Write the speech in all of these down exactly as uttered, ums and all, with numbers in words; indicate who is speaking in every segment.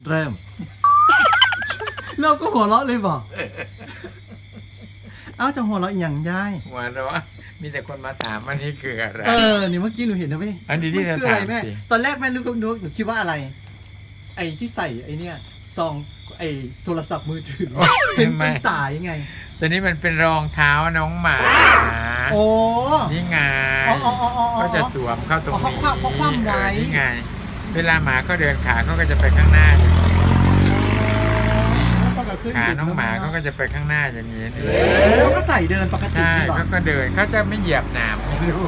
Speaker 1: เริ่มเราก็หัวเราะเลยบอกเอ้าจะหัวเราะอีกอย่างยาย
Speaker 2: หัวเราะมีแต่คนมาถามว่านี่คืออะไร
Speaker 1: เออนี่เมื่อกี้หนูเห็นนะพี่
Speaker 2: อันนี้ที่
Speaker 1: มั
Speaker 2: จะ
Speaker 1: คืออะไร
Speaker 2: ถาม
Speaker 1: แม่
Speaker 2: สิ
Speaker 1: ตอนแรกแม่รู้ก็นึกหนูคิดว่าอะไร ไอ้ที่ใส่ไอ้เนี่ยซองไอ้โทรศัพท์มือถือเป็นเป็นสายไง
Speaker 2: ตอนนี้มันเป็นรองเท้าน้องหมา
Speaker 1: โอ้
Speaker 2: นี่ไง
Speaker 1: อ๋ออ๋ออ๋ออ๋อ
Speaker 2: ก็จะสวมเข้าตรง
Speaker 1: อ๋อ
Speaker 2: นี้
Speaker 1: เขาคว่ำเขาคว่ำไว้
Speaker 2: เออนี่ไง เวลาหมาเขาเดินขาเขาก็จะไปข้างหน้าอย่างนี้ขาน้องหมาเขาก็จะไปข้างหน้าอย่างนี้นี่
Speaker 1: เขาก็ใส่เดินปกติ
Speaker 2: ใช่
Speaker 1: นี่หรอ
Speaker 2: เขาก็เดินเขาจะไม่เหยียบหนามไม่รู้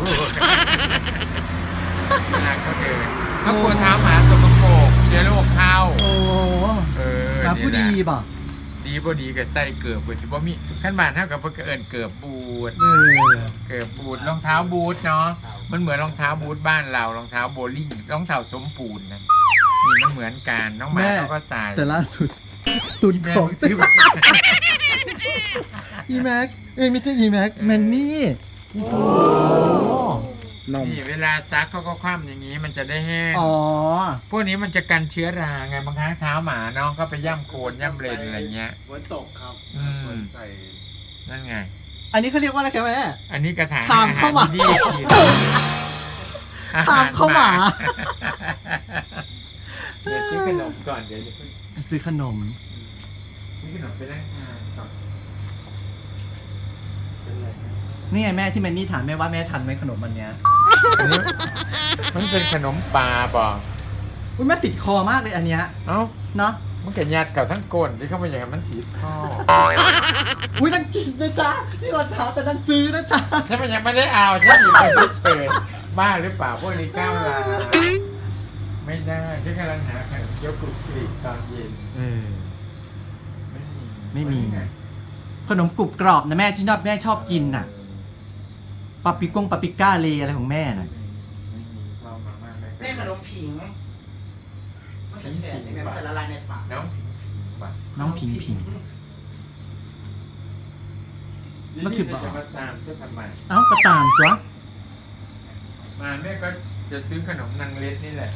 Speaker 2: เวลาเขาเดินเขากลัวเท้าหมาสกปรกเชื้อโรคเข้า
Speaker 1: โอ้
Speaker 2: เออ
Speaker 1: มาผู้ดีป่ะ
Speaker 2: ดีบ่ดีกับใส่เกือบบ่สิบ่มีขั้นบานเท่ากับเพิ่นก็เอิ้นเกือบบูท
Speaker 1: เออ
Speaker 2: เกือบบูทรองเท้าบูทเนาะมันเหมือนรองเท้าบูทบ้านเรารองเท้าโบลิ่งรองเท้าสมปูนนะนี่มันเหมือนกันน้องหมาเขาก็ใส่
Speaker 1: แต่ล่าสุดตุน
Speaker 2: แม่
Speaker 1: ของ
Speaker 2: ซื้อมา
Speaker 1: อีแม็กเอ้ยไม่ใช่อีแม็กแมนนี่โอ้นม
Speaker 2: นี่เวลาซักเขาก็คว่ำอย่างนี้มันจะได้แห้ง
Speaker 1: อ๋อ
Speaker 2: พวกนี้มันจะกันเชื้อราไงบางครั้งเท้าหมาเนาะก็ไปย่ำโคลนย่ำเลนอะไรเงี้ย
Speaker 3: ฝนตกครับ
Speaker 2: อืม
Speaker 3: ฝนใส่
Speaker 2: นั่นไง
Speaker 1: อันนี้เขาเรียกว่าอะไรกันแม่
Speaker 2: อันนี้กระถาง
Speaker 1: ชามข้าวหมา
Speaker 2: อรที่กิน
Speaker 1: ชามข้าวหมา
Speaker 2: เดี๋ยวซื้อขนมก่อนเดี๋ยวจะซื้อ
Speaker 1: ซื้อขนม
Speaker 2: ซื้อขนมไปนั่งทานก่อนซื้ออะไรนะ
Speaker 1: นี่ไงแม่ที่แมนนี่ถามแม่ว่าแม่ทันไหมขนมอันเนี้ย
Speaker 2: อันนี้มันเป็นขนมปลาป่ะ
Speaker 1: อุ้ยแม่ติดคอมากเลยอันเนี้ย
Speaker 2: เอ้า
Speaker 1: เนาะ
Speaker 2: มันก็ยัดกับทั้งก้นที่เข้าไปอย่างนั้นมันติดข้อ
Speaker 1: อุ้ยนั่งกินนะจ๊ะที่วันถามแต่นั่งซื้อนะจ๊ะ
Speaker 2: ฉันมันยังไม่ได้เอาฉันหยิบไปเฉยๆบ้าหรือเปล่าพวกนี้ก้าวลาไม่ได้ฉันกำลังหาขนมเกี๊ยวกรุบกริบตอนเย็น
Speaker 1: เออ
Speaker 2: ไม่มี
Speaker 1: ไม่มี
Speaker 2: ไง
Speaker 1: ขนมกรุบกรอบนะแม่ที่นอบแม่ชอบกินน่ะปาปิกงปาปิก้าเลอะไรของแม่น่ะ
Speaker 2: ไม่มีเรามาม่าไม่
Speaker 3: แม่ขนมผิงมันจะแข็งยังไงมันจะละลายในปาก
Speaker 2: น้องผิงผิงว่ะ
Speaker 1: น้องพิงพิง มันคือ
Speaker 2: จะมาตามฉันทำไม
Speaker 1: เอ้ากระตามตัว
Speaker 2: มาแม่ก็จะซื้อขนมนางเล็ดนี่แหละ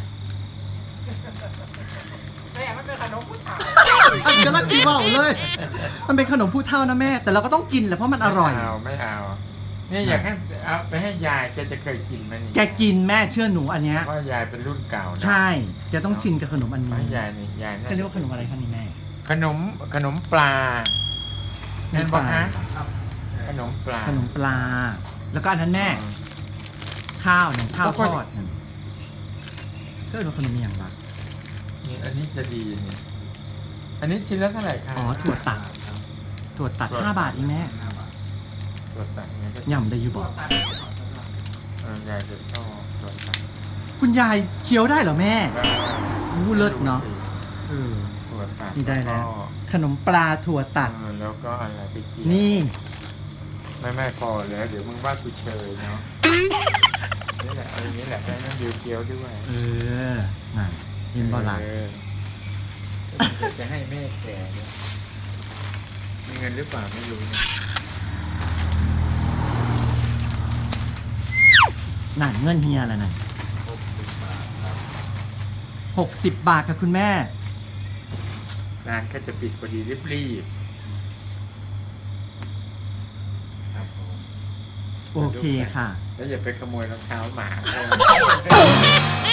Speaker 3: แม่มันเป็นขนมผู้ชาย
Speaker 1: อันนี้ก็รักดีว่าเลย มันเป็นขนมผู้เฒ่านะแม่ แต่เราก็ต้องกินแหละเพราะมันอร่อย
Speaker 2: ไม่เอาไม่เอาเนี่ยอยากให้เอาไปให้ยายแกจะเคยกินไหมนี่
Speaker 1: แกกินแม่เชื่อหนูอันเนี้ย
Speaker 2: เพราะยายเป็นรุ่นเก่านะ
Speaker 1: ใช่แกต้องชินกับขนมอัน
Speaker 2: เพ
Speaker 1: นี้
Speaker 2: ราะยายนี่ยายน่า
Speaker 1: เขาเรียกว่าขนมอะไรคะนี่แม่
Speaker 2: ขนมขนมปลานั่นบอกฮะขนมปลา
Speaker 1: ขนมปลา แล้วก็อันนั้นแม่ ข้าวหนึ่งข้าวทอดหนึ่งก็เป็นขนมอย่างละ
Speaker 2: นี่อันนี้จะดีนี่อันนี้ชิ้นละเท่าไหร่คะ
Speaker 1: อ๋อถั่วตัดถั่วตัดห้าบาทเองแม่
Speaker 2: ตัวตัดเนี่ยก็
Speaker 1: ย่ำได้อยู่บอก
Speaker 2: เออยายจะชอบตัวตัด
Speaker 1: คุณยายเคี้ยวได้เหรอแม่ อู้เลิศเนอะ เออ
Speaker 2: ตัวตัด
Speaker 1: นี่ได้แล้ว
Speaker 2: ก็
Speaker 1: ขนมปลาถั่วตัด
Speaker 2: เออแล้วก็อะไรไปเคี่ยว
Speaker 1: นี่
Speaker 2: ไม่ไม่พอแล้วเดี๋ยวมึงว่ากูเชยเนาะนี่แหละเอาอย่างนี้แหละได้น้ำเดียวเคี้ยวด้วย
Speaker 1: เออน่ะยินบอลา
Speaker 2: เออจะให้แม่แก่เนี่ยมีเงินหรือเปล่าไม่รู้นะ
Speaker 1: นั่นเงินเฮียอะไรนั่นหกสิบบาทค่ะคุณแม่
Speaker 2: ร้านก็จะปิดพอดีรีบ
Speaker 3: ครับผม
Speaker 1: โอเคค่ะ
Speaker 2: ๆแล้วอย่าไปขโมยรองเท้าหมาเขา